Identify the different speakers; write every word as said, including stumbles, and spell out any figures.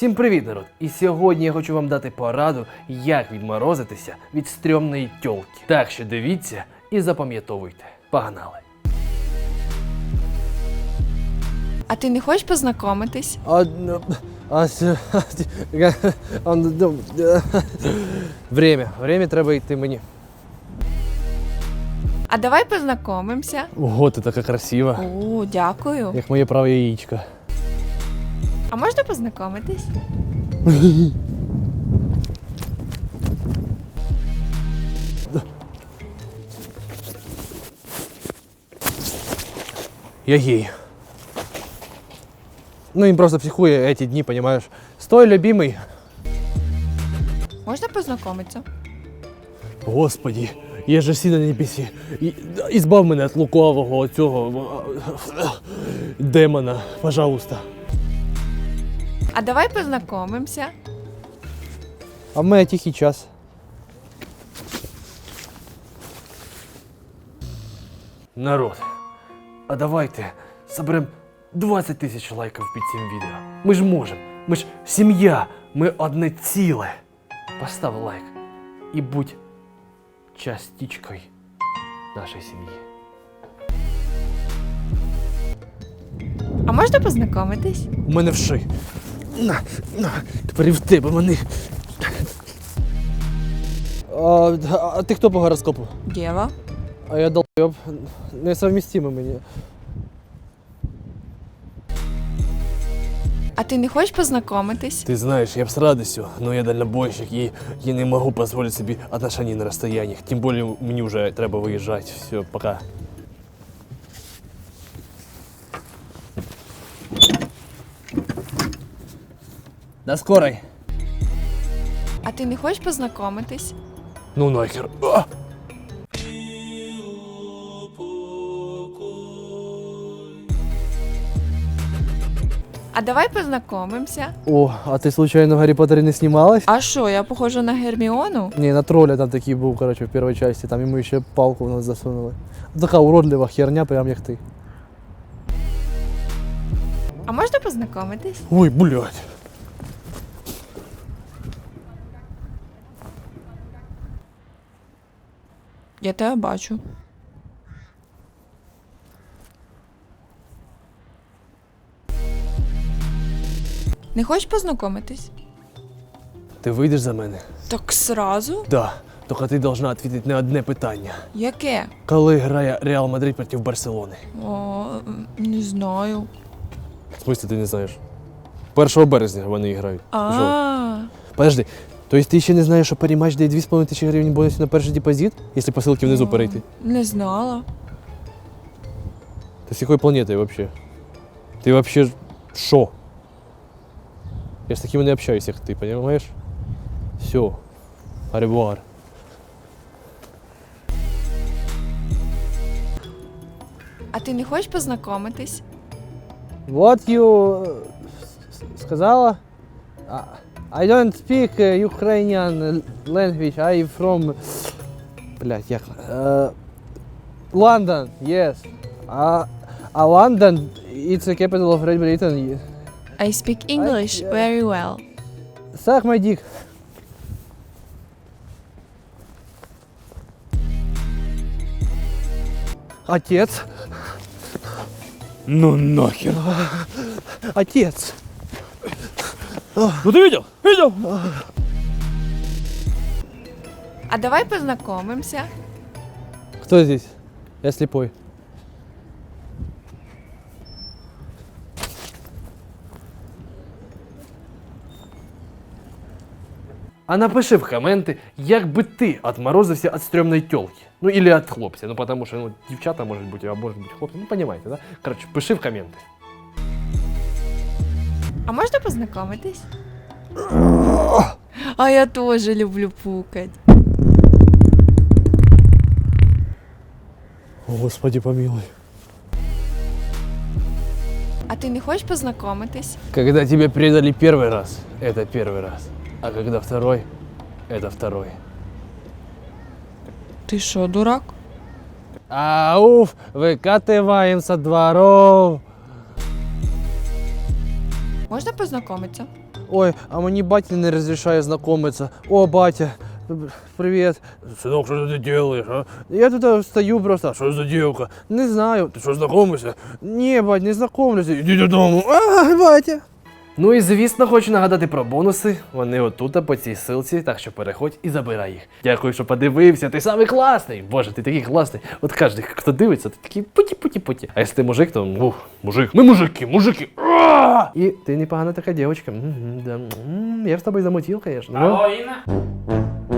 Speaker 1: Всім привіт, народ! І сьогодні я хочу вам дати пораду, як відморозитися від стрьомної тьолки. Так що дивіться і запам'ятовуйте. Погнали!
Speaker 2: А ти не хочеш познайомитись?
Speaker 1: А, а, Время. Время треба йти мені.
Speaker 2: А давай познайомимося.
Speaker 1: Ого, ти така красива.
Speaker 2: О, дякую.
Speaker 1: Як моє праве яєчко.
Speaker 2: А можна познайомитись?
Speaker 1: Я гей. Ну, він просто психує эти дні, понимаешь? Стой, любимый.
Speaker 2: Можна познайомитися?
Speaker 1: Господи, є же всі на небесі. І, ізбав мене від лукавого цього демона, пожалуйста.
Speaker 2: А давай познайомимося.
Speaker 1: А в мене тихий час. Народ, а давайте соберемо двадцять тисяч лайків під цим відео. Ми ж можемо, ми ж сім'я, ми одне ціле. Постав лайк і будь частичкою нашої сім'ї.
Speaker 2: А можна познайомитись?
Speaker 1: У мене вши. На, на, тепер і в тебе вони. А, а ти хто по гороскопу?
Speaker 2: Дєва.
Speaker 1: А я долбойоб. Несовмістимо мені.
Speaker 2: А ти не хочеш познайомитись?
Speaker 1: Ты знаешь, я б с радостью, но я дальнобойщик и я не могу позволить себе отношения на расстояниях. Тем более мне уже треба выезжать. Все, пока. До скорой.
Speaker 2: А ти не хочеш познайомитись?
Speaker 1: Ну нахер. А!
Speaker 2: А давай познайомимося.
Speaker 1: О, а ты случайно в Гарри Поттере не снималась?
Speaker 2: А що, я похожа на Герміону?
Speaker 1: Не, на тролля там такие был, короче, в первой части. Там ему еще палку в нос засунули. Така уродлива херня, прям як ти.
Speaker 2: А можна познайомитись?
Speaker 1: Ой, блядь.
Speaker 2: Я тебе бачу. Не хочеш познайомитись?
Speaker 1: Ти вийдеш за мене?
Speaker 2: Так сразу?
Speaker 1: Да. Тільки ти должна відповідати на одне питання.
Speaker 2: Яке?
Speaker 1: Коли грає Реал Мадрид проти Барселони?
Speaker 2: О, не знаю.
Speaker 1: В смысле ти не знаєш? першого березня вони грають.
Speaker 2: А,
Speaker 1: Подожди, то есть ти ще не знаєш, що парі-матч дає дві з половиною тисячі гривень бонусів на перший депозит, якщо по ссылці внизу перейти?
Speaker 2: не знала.
Speaker 1: Ти з якої планети вообще? Ти вообще що? Я з такими не общаюсь, як ти, понимаешь? Все. Аревуар.
Speaker 2: А ти не хочеш познайомитись?
Speaker 1: What you сказала? I don't speak Ukrainian language. I from... Блядь, як? Uh, London, yes. А uh, London, it's the capital of Great Britain.
Speaker 2: I speak English
Speaker 1: I, uh,
Speaker 2: very well.
Speaker 1: Suck my dick. Отец.
Speaker 3: Ну нахер.
Speaker 1: Отец.
Speaker 3: Ну ты видел? Видел?
Speaker 2: А давай познайомимося.
Speaker 1: Кто здесь? Я слепой. А напиши в коменти, як би ти отморозився від стрьомної тёлки. Ну, или від хлопця. Ну, потому що, ну, дівчата можуть бути, а можуть бути хлопці. Ну, понимаете, да? Короче, пиши в коменти.
Speaker 2: А можна познайомитись? А я теж люблю пукать.
Speaker 1: Господи, помилуй.
Speaker 2: А ти не хочеш познайомитись?
Speaker 1: Когда тебя предали первый раз, это первый раз. А когда второй, это второй.
Speaker 2: Ти що, дурак?
Speaker 1: Ауф, выкатываем со дворов.
Speaker 2: Можна познайомитися?
Speaker 1: Ой, а мені батя не розрішає знайомитися. О, батя, привіт.
Speaker 3: Сынок, что ты делаешь, а?
Speaker 1: Я тут стою просто.
Speaker 3: Что за девка?
Speaker 1: Не знаю.
Speaker 3: Ты что, знакомишься?
Speaker 1: Ні, бать, не знайомлюся.
Speaker 3: Иди додому.
Speaker 1: А, батя. Ну і звісно, хочу нагадати про бонуси. Вони отут, по цій силці, так що переходь і забирай їх. Дякую, що подивився. Ти самий класний. Боже, ти такий класний. От кожен, хто дивиться, ти такий путі-путі-путі. А якщо ти мужик, то ух, мужик. Ми мужики, мужики. А! І ти непогана така дівчинка. М, да. М, Я ж з тобою замутив, звісно.
Speaker 4: Алло, Інна?